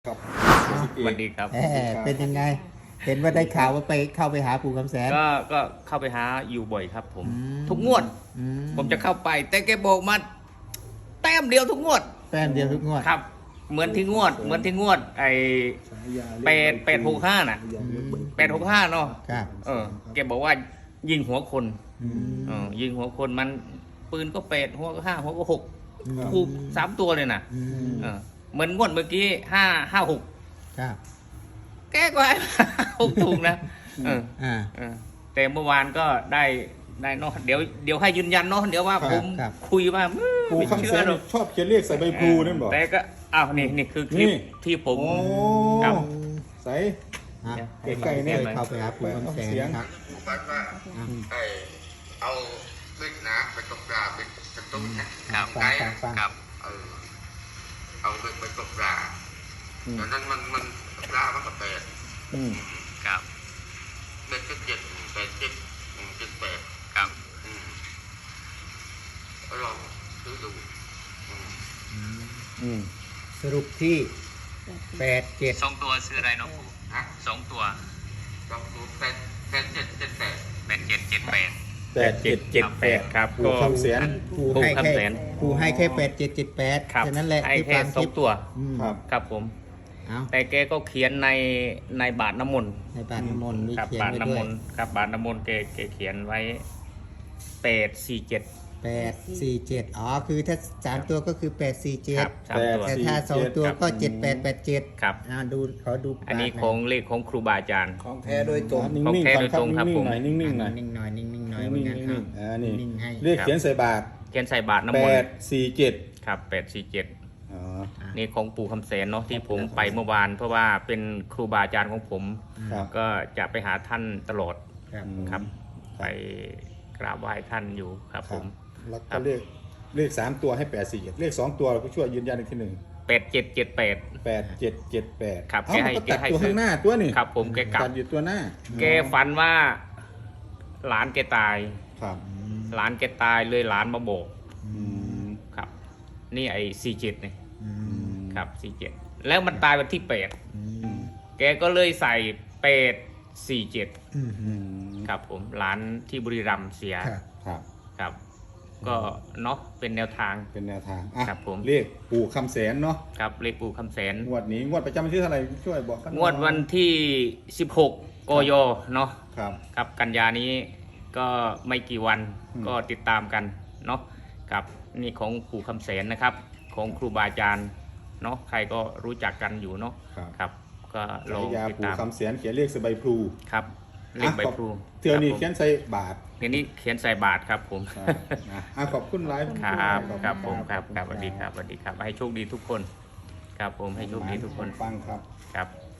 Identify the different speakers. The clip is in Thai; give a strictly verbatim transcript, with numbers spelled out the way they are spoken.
Speaker 1: ครับ
Speaker 2: สวัสดีครับ
Speaker 3: แหมเป็นยังไง เห็นว่าได้ข่าวว่าไปเข้าไปหาปู่คำแสน
Speaker 2: ก็ก็เข้าไปหาอยู่บ่อยครับผม
Speaker 3: อืม
Speaker 2: ทุกงวด
Speaker 3: อื
Speaker 2: ผมจะเข้าไป แต่แกบอกมาแต้มเดียวทุกงวด
Speaker 3: แต้มเดียวทุกงวด
Speaker 2: ครับ เหมือนที่งวด เหมือนที่งวด ไอแปดแปดหกห้าน่ะแปดหกห้าเนาะ
Speaker 3: ครับ
Speaker 2: เออแกบอกว่ายิงหัวคน
Speaker 3: อืม
Speaker 2: เออยิงหัวคนมันปืนก็แปดหัวก็ห้าหัวก็หก
Speaker 3: อืม
Speaker 2: ถูกสามตัวเลยน่ะ
Speaker 3: อืม
Speaker 2: เออเหมือนงวดเมื่อกี้ห้าห้าหก
Speaker 3: ครับ
Speaker 2: แกก็ให้ หกถูกนะเออ
Speaker 3: อ่า
Speaker 2: เออแต่เมื่อวานก็ได้ได้เนาะเดี๋ยวเดี๋ยวให้ยืนยันเนาะเดี๋ยวว่า
Speaker 1: ครับ
Speaker 2: ผม
Speaker 3: ครับ
Speaker 2: คุยว่าอืม
Speaker 1: ปู
Speaker 2: ไม่
Speaker 1: คำ
Speaker 2: เชื่
Speaker 1: แส
Speaker 2: อน หรอก
Speaker 1: ชอบเขียนเลขใส่ใบพลูนั่นบอก
Speaker 2: แต่ก็อ้าวนี่นี่คือคลิป
Speaker 1: นี่
Speaker 2: ที่ผม
Speaker 1: โอ้
Speaker 2: ครับ
Speaker 1: ใส่
Speaker 3: อ่ะ
Speaker 1: เดี๋ยวใกล้ๆเนี่ย
Speaker 3: เข้าไปหาปู่คำแสนนะครับ
Speaker 4: ฝันว่าไอเอาขึ้นนะไปตกปลาเป็นกระตุ้นนะครับ
Speaker 3: ฟั
Speaker 4: ไก
Speaker 3: งฟังฟัง
Speaker 2: ครับ
Speaker 4: เออเอาไปไปตกปลาตอนนั้นมันมันปลามันก็แปด
Speaker 1: อืม
Speaker 2: ครับ
Speaker 4: เด็กก็เจ็ดแปดเจ็ดอืมเจ็ดแปด
Speaker 2: ครับ
Speaker 4: อืมก็ลองซื้อดูอืม
Speaker 1: อืม
Speaker 3: สรุปที่แปดเจ็ด
Speaker 2: สองตัวซื้ออะไรเนาะปู่
Speaker 4: ฮะ
Speaker 2: สองตัว
Speaker 4: ลองดูแปดแปดเจ็ดเจ็ดแปด
Speaker 2: แปดเจ็ดเจ็ดแปด
Speaker 1: แปดเจ็ดเจ็ดแปด
Speaker 2: ครับ
Speaker 1: ปูคำแสน
Speaker 3: ปู่
Speaker 2: ปู่
Speaker 3: ให้
Speaker 2: คำ
Speaker 3: แค่
Speaker 2: แสน
Speaker 3: ปู่ให้แค่แปดเจ็ดเจ็ดแปด
Speaker 2: ครับ
Speaker 3: แค่นั้นแหละ
Speaker 2: ให้
Speaker 3: ที่
Speaker 2: แค่
Speaker 3: ฟัง
Speaker 2: ส
Speaker 3: ค
Speaker 2: อ
Speaker 3: ลิ
Speaker 2: ง
Speaker 3: ป
Speaker 2: ตัว
Speaker 3: อืม
Speaker 1: ครับ
Speaker 2: ครับผม
Speaker 3: เอา
Speaker 2: แต่แกก็เขียนในในบาทน้ำมนต์
Speaker 3: ในบาทน้ำมนต์มี
Speaker 2: ครับ
Speaker 3: เขียน
Speaker 2: บาท
Speaker 3: ไว้
Speaker 2: น้ำ
Speaker 3: ด้ว
Speaker 2: ม
Speaker 3: ย
Speaker 2: นต์ครับบาทน้ำมนต์แกแกเขียนไว้แปดสี่เจ็ด
Speaker 3: แปดสี่เจ็ดอ๋อคือถ้าสามตัวก็คือแปดสี่เจ็
Speaker 2: ค
Speaker 3: ด
Speaker 2: รับสามตัว
Speaker 3: แต่ถ้าสองตัวก็เจ็ดแปดแปดเจ็ด
Speaker 2: ครับ
Speaker 3: อ่าดูขอดู
Speaker 2: อันนี้
Speaker 3: บาทห
Speaker 2: ของเลขของครูบาอาจารย์
Speaker 1: ของแท้โดยตรงนิ่
Speaker 2: ของ
Speaker 1: ง
Speaker 2: แท้
Speaker 1: ๆ
Speaker 2: โดยตรงครับ
Speaker 1: นิ่
Speaker 2: ผ
Speaker 1: ง
Speaker 2: ม
Speaker 1: ๆหน่อยนิ่งๆหน่อย
Speaker 3: นิ่งๆหน่อยนิ่งๆหน่อย
Speaker 1: นิ่ง
Speaker 3: เหมือนกัน
Speaker 1: ๆนิ่งๆอ่านี่
Speaker 3: นิ่งๆให้
Speaker 1: เลขเขียนใส่บาท
Speaker 2: เขียนใส่บาทน้ำ
Speaker 1: แป
Speaker 2: มน
Speaker 1: ด
Speaker 2: ต์
Speaker 1: สี่เจ็ด
Speaker 2: ครับแปดสี่เจ็ด
Speaker 1: อ๋อ
Speaker 2: นี่ของปู่คำแสนเนาะที่ผมไปเมื่อวาน เพราะว่าเป็นครูบาอาจารย์ของผม
Speaker 1: ครับ
Speaker 2: ก็จะไปหาท่านตลอด
Speaker 3: ครับ
Speaker 1: อืม
Speaker 2: ครับ
Speaker 1: ครับ
Speaker 2: ไปกราบไหว้ท่านอยู่ครับผม
Speaker 1: แล้ว
Speaker 2: ครั
Speaker 1: ก็
Speaker 2: บ
Speaker 1: เลขเลขสามตัวให้แปดสี่เจ็ดเลขสองตัวเราก็ช่วยยืนยันอีกทีหนึ่ง
Speaker 2: แปดเจ็ดเจ็ดแปด
Speaker 1: แปดเจ็ดเจ็ดแปด
Speaker 2: ครับ
Speaker 1: เอ้า
Speaker 2: แกให้
Speaker 1: มันก็ตัด
Speaker 2: แกให้
Speaker 1: ตัวข้างหน้าตัวนี่
Speaker 2: ครับผมแกกลับ
Speaker 1: ตัดอยู่ตัวหน้า
Speaker 2: แกฝันว่าหลานแกตาย
Speaker 1: ครับ
Speaker 2: หลานแกตายเลยหลานมาโบก
Speaker 1: อืม
Speaker 2: ครับ นี่ไอ้สี่เจ็ดนี่
Speaker 3: อืม
Speaker 2: ครับสี่เจ็ดแล้วมันตายวันที่แปด
Speaker 3: อื
Speaker 1: อื
Speaker 3: ม
Speaker 1: ม
Speaker 2: แกก็เลยใส่แปดสี่เจ็ด
Speaker 3: อืม
Speaker 1: อืม
Speaker 2: ครับผมหลานที่บุรีรัมย์เสีย
Speaker 3: ครับ
Speaker 1: ครับ
Speaker 2: ครับ ก็เนาะเป็นแนวทาง
Speaker 1: เป็นแนวทางอ่ะ
Speaker 2: ครับผม
Speaker 1: เลขปู่คำแสนเนาะ
Speaker 2: ครับเลขปู่คำแสน
Speaker 1: งวดนี้งวดประจำวันที่เท่าไหร่ช่วยบอกกันห
Speaker 2: ง
Speaker 1: น่อยว
Speaker 2: ดวันที่สิบหกกยเนาะ
Speaker 1: ครับ
Speaker 2: ครับกันยานี้ก็ไม่กี่วัน
Speaker 1: อืม
Speaker 2: ก็ติดตามกันเนาะกับนี่ของปู่คำแสนนะครับ ของครูบาอาจารย์เนาะใครก็รู้จักกันอยู่เนาะ
Speaker 1: ครับ
Speaker 2: ครับ ก็ล
Speaker 1: ฉา
Speaker 2: อง
Speaker 1: ยา
Speaker 2: ติด
Speaker 1: ปู่
Speaker 2: ตาม
Speaker 1: คำแสนเขียนเลขใส่ใบพลู
Speaker 2: ครับเลขใบพลู
Speaker 1: เทือนี้
Speaker 2: ครับผม
Speaker 1: เขียนใส่บาท
Speaker 2: ทีนี้เขียนใส่บาทครับผม
Speaker 1: ครับนะอ่ะขอบคุณไลฟ์
Speaker 2: ครับ
Speaker 1: ขอณ
Speaker 2: ครับผมครับครับสวัสดีครับสวัสดีครับ ให้โชคดีทุกคน ครับผมให้โชคดีทุกคน
Speaker 1: ฟังครับ
Speaker 2: ครับ